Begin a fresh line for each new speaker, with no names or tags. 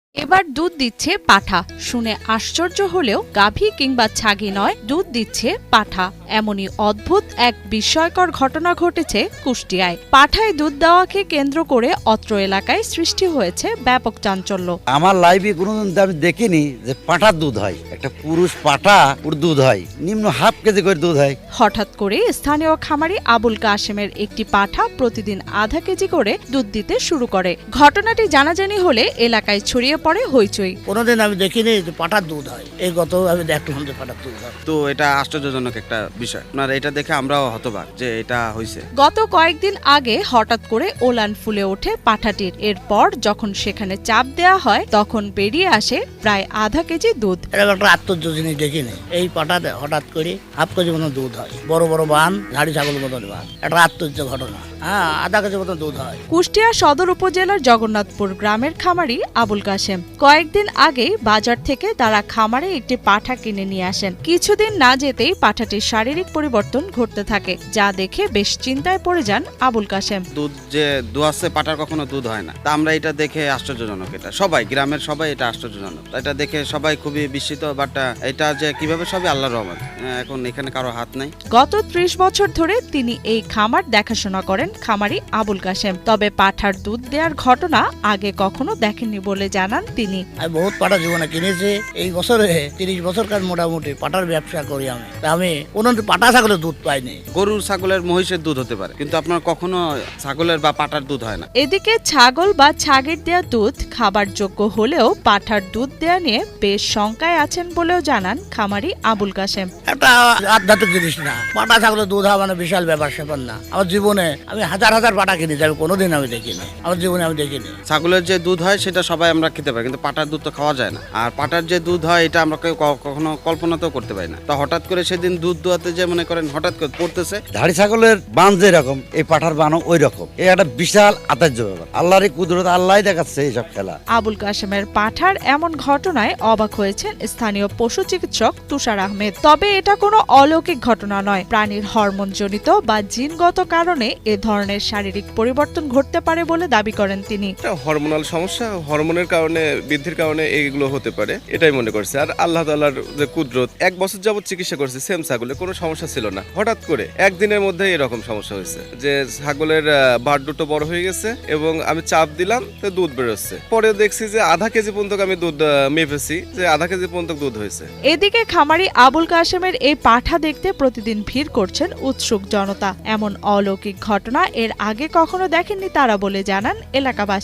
এবার দুধ দিচ্ছে পাঠা। শুনে আশ্চর্য হলেও গাভী কিংবা ছাগি নয়, দুধ দিচ্ছে পাঠা। এমনই অদ্ভুত এক বিস্ময়কর ঘটনা ঘটেছে কুষ্টিয়ায়। পাঠায় দুধ দেওয়াকে কেন্দ্র করে অত্র এলাকায় সৃষ্টি হয়েছে ব্যাপক চাঞ্চল্য।
আমার লাইফে কোনোদিন আমি দেখিনি যে পাঠার দুধ হয়। একটা পুরুষ পাঠা ওর দুধ হয় নিম্ন হাফ কেজি করে দুধ হয়।
হঠাৎ করে স্থানীয় খামারি আবুল কাশেমের একটি পাঠা প্রতিদিন আধা কেজি করে দুধ দিতে শুরু করে। ঘটনাটি জানাজানি হলে এলাকায় ছড়িয়ে পড়ে হইচই।
কোনোদিন আমি দেখিনি যে পাঠার দুধ হয়। এই গত আমি দেখলাম যে পাঠার দুধ হয়।
তো এটা আশ্চর্যজনক একটা বিষয়। আপনার এটা দেখে আমরাও হতবাক যে এটা হয়েছে।
গত কয়েকদিন আগে হঠাৎ করে ওলান ফুলে ওঠে পাঠাটির। এরপর যখন সেখানে চাপ দেয়া হয় তখন বেরিয়ে আসে প্রায় আধা কেজি দুধ।
এরকম একটা আশ্চর্য জিনিস দেখিনি। এই পাঠাতে হঠাৎ করে হাফ কেজি মতো দুধ হয়। বড় বড় বান, ঝাড়ি ছাগলের মতন বান। একটা আশ্চর্য ঘটনা। আধা কেজি মতো দুধ হয়।
কুষ্টিয়া সদর উপজেলার জগন্নাথপুর গ্রামের খামারি আবুল কাশেম কয়েকদিন আগেই বাজার থেকে তারা খামারে একটি পাঠা কিনে নিয়ে আসেন। কিছুদিন না যেতেই পাঠাটির শারীরিক পরিবর্তন ঘটতে থাকে, যা দেখে বেশ চিন্তায় পড়ে যান আবুল কাশেম।
দুধ যে দোয়াচ্ছে পাটার কখনো দুধ হয় না। তা আমরা এটা দেখে আশ্চর্যজনক। এটা সবাই গ্রামের সবাই এটা আশ্চর্যজনক। এটা দেখে সবাই খুবই বিস্মিত। বাট এটা যে কিভাবে সবই আল্লাহর রহমত। এখন এখানে কারো হাত নাই।
গত ৩০ বছর ধরে তিনি এই খামার দেখাশোনা করেন খামারি আবুল কাশেম। তবে পাঠার দুধ দেওয়ার ঘটনা আগে কখনো দেখেননি বলে জানান তিনি।
আমি বহুত পাঠা জীবনে কিনেছি। এই বছরে ৩০ বছরকার মোটামুটি পাঠার ব্যবসা করি আমি। তা আমি কোনোদিন পাঠা ছাগলের দুধ পাইনি।
গরুর ছাগলের মহিষের দুধ হতে পারে, কিন্তু আপনার কখনো ছাগলের বা পাটার দুধ হয় না।
এদিকে ছাগল বা ছাগির দেয়া দুধ খাবার যোগ্য হলেও পাঠার দুধ দেয়া নিয়ে বেশ শঙ্কায় আছেন বলেও জানান খামারি আবুল কাশেম।
একটা আধ্যাত্মিক জিনিস না। পাঠা ছাগলের দুধ হওয়া মানে বিশাল ব্যাপার স্যাপার না। আমার জীবনে আমি হাজার হাজার পাঠা কিনেছি, আমি কোনোদিন আমি দেখিনি। আমার জীবনে আমি দেখিনি।
ছাগলের যে দুধ হয় সেটা সবাই আমরা খেতে পারি, কিন্তু পাটার দুধ তো খাওয়া যায় না। আর পাটার যে দুধ হয় এটা আমরা কেউ কখনো কল্পনাতেও করতে পারি না। তো হঠাৎ করে সেদিন দুধ দোয়াতে যে মনে করেন হঠাৎ করে পড়তেছে।
ধাড়ি ছাগলের বান যেরকম এই পাঠার বানও ওই রকম। এই একটা বিশাল আশ্চর্য ব্যাপার। আল্লাহরই কুদরত, আল্লাহ দেখাচ্ছে এইসব খেলা।
আবুল কাশেমের পাঠার এমন ঘটনায় অবাক হয়েছেন স্থানীয় পশু চিকিৎসক তুষার আহমেদ। তবে এটা কোনো অলৌকিক ঘটনা নয়। প্রাণীর হরমোনজনিত বা জিনগত কারণে এ ধরনের শারীরিক পরিবর্তন ঘটতে পারে বলে দাবি করেন তিনি।
হরমোনাল সমস্যা, হরমোনের কারণে বৃদ্ধির কারণে এইগুলো হতে পারে, এটাই মনে করছে। আর আল্লাহ তাআলার যে কুদরত, 1 বছর যাবত চিকিৎসা করছে সেম ছাগলে, কোনো সমস্যা ছিল না। হঠাৎ করে একদিনের মধ্যে এরকম সমস্যা হয়েছে যে ছাগলের বাট দুটো বড় হয়ে গেছে এবং আমি চাপ দিলাম তো দুধ বেরোচ্ছে। পরে দেখছি যে আধা কেজি পর্যন্ত আমি দুধ মেপেছি, যে আধা কেজি পর্যন্ত দুধ হয়েছে।
এদিকে খামারি আবুল কাশেমের এই পাঠা দেখতে প্রতিদিন ভিড় করছেন উৎসুক জনতা। এমন অলৌকিক ঘটনা এর আগে কখনো দেখেননি তারা বলে জানান এলাকাবাসী।